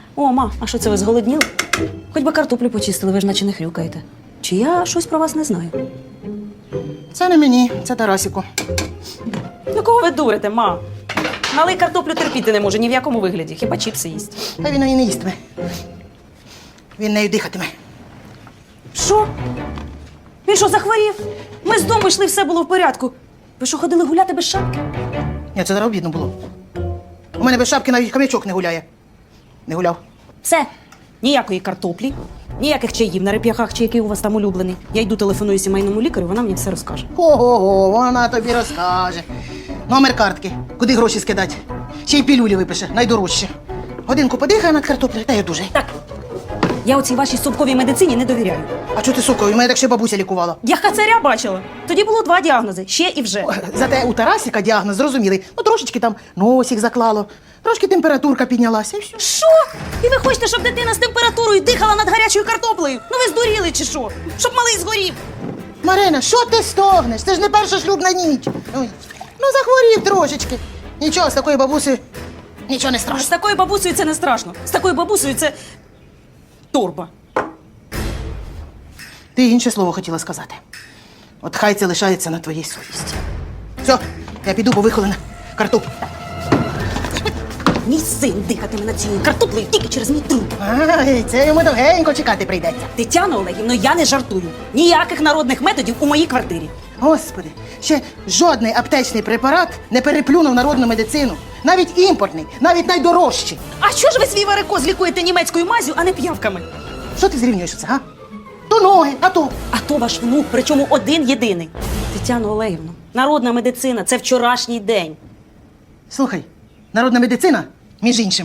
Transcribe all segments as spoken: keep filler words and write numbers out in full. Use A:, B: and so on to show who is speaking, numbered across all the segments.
A: О, ма, а що це ви зголодніли? Хоч би картоплю почистили, ви ж наче не хрюкаєте. Чи я щось про вас не знаю?
B: Це не мені, це Тарасіку.
A: Ну кого ви дурите, ма? Малий картоплю терпіти не може ні в якому вигляді, хіба чіпси їсть.
B: Та він її не їстиме. Він нею дихатиме.
A: Що? Він що, захворів? Ми з дому йшли, все було в порядку. Ви що, ходили гуляти без шапки?
B: Ні, це зараз обідно було. У мене без шапки навіть хомячок не гуляє. Не гуляв.
A: Все. Ніякої картоплі, ніяких чаїв на реп'яхах чи який у вас там улюблений. Я йду телефоную сімейному лікарю, вона мені все розкаже.
B: Ого, вона тобі розкаже. Номер картки, куди гроші скидати. Ще й пілюлі випише, найдорожче. Годинку подихає над картоплею, та я дуже.
A: Так, я оцій вашій совковій медицині не довіряю.
B: А чого ти, сука, у мене так ще бабуся лікувала.
A: Я хацаря бачила. Тоді було два діагнози, ще і вже.
B: Зате у Тарасіка діагноз зрозумілий. Ну, трошечки там носик заклало, трошки температурка піднялася і все.
A: Що? І ви хочете, щоб дитина з температурою дихала над гарячою картоплею? Ну ви здуріли чи що? Щоб малий згорів.
B: Марина, що ти стогнеш? Це ж не перша шлюбна ніч. Ой. Ну, захворів трошечки. Нічого, з такою бабусею нічого не
A: З
B: страшно.
A: такою бабусею це не страшно. З такою бабусею це торба.
B: Ти інше слово хотіла сказати. От хай це лишається на твоїй совісті. Все, я піду, бо вихолена картоплю.
A: Мій син дихатиме над цією картоплею тільки через мій труп.
B: Ай, це йому довгенько чекати прийдеться.
A: Тетяно Олегівно, я не жартую. Ніяких народних методів у моїй квартирі.
B: Господи, ще жодний аптечний препарат не переплюнув народну медицину. Навіть імпортний, навіть найдорожчий.
A: А що ж ви свій варикоз лікуєте німецькою мазю, а не п'явками?
B: Що ти зрівнюєш це, га? То ноги, а то.
A: А то ваш внук, причому один єдиний. Тетяно Олегівно, народна медицина – це вчорашній день.
B: Слухай, народна медицина, між іншим,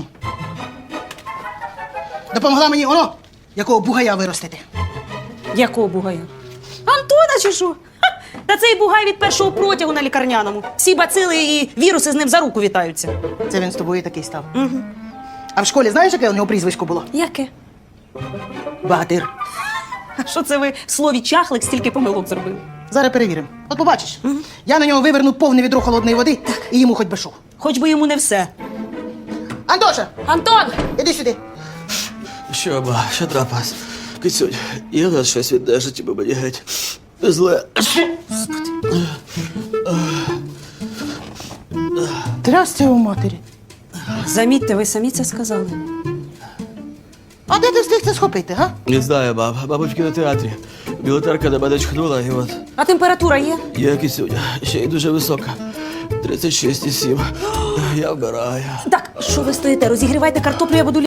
B: допомогла мені воно, якого бугая виростити.
A: Якого бугая? Антона чи що? Ха! Та цей бугай від першого протягу на лікарняному. Всі бацили і віруси з ним за руку вітаються.
B: Це він з тобою такий став. Угу. А в школі знаєш, яке у нього прізвисько було?
A: Яке?
B: Багатир.
A: А що це ви в слові чахлик стільки помилок зробили?
B: Зараз перевіримо. От побачиш, я на нього виверну повне відро холодної води і йому хоч би що.
A: Хоч би йому не все.
B: Антоша,
A: Антон!
B: іди сюди.
C: Що, ба, що трапилось? Кицюнь, є в нас щось віддержить, бо мені геть зле.
B: Трясся у матері.
A: Замітьте, ви самі це сказали.
B: А де ти встиг це схопити, га?
C: Не знаю, баб, мабуть, в кінотеатрі. Білотерка на мене чхнула, і от
A: А температура є?
C: є кицюня, ще й дуже висока. тридцять шість і сім. Я вмираю.
A: Так, що ви стоїте? Розігрівайте картоплю, я буду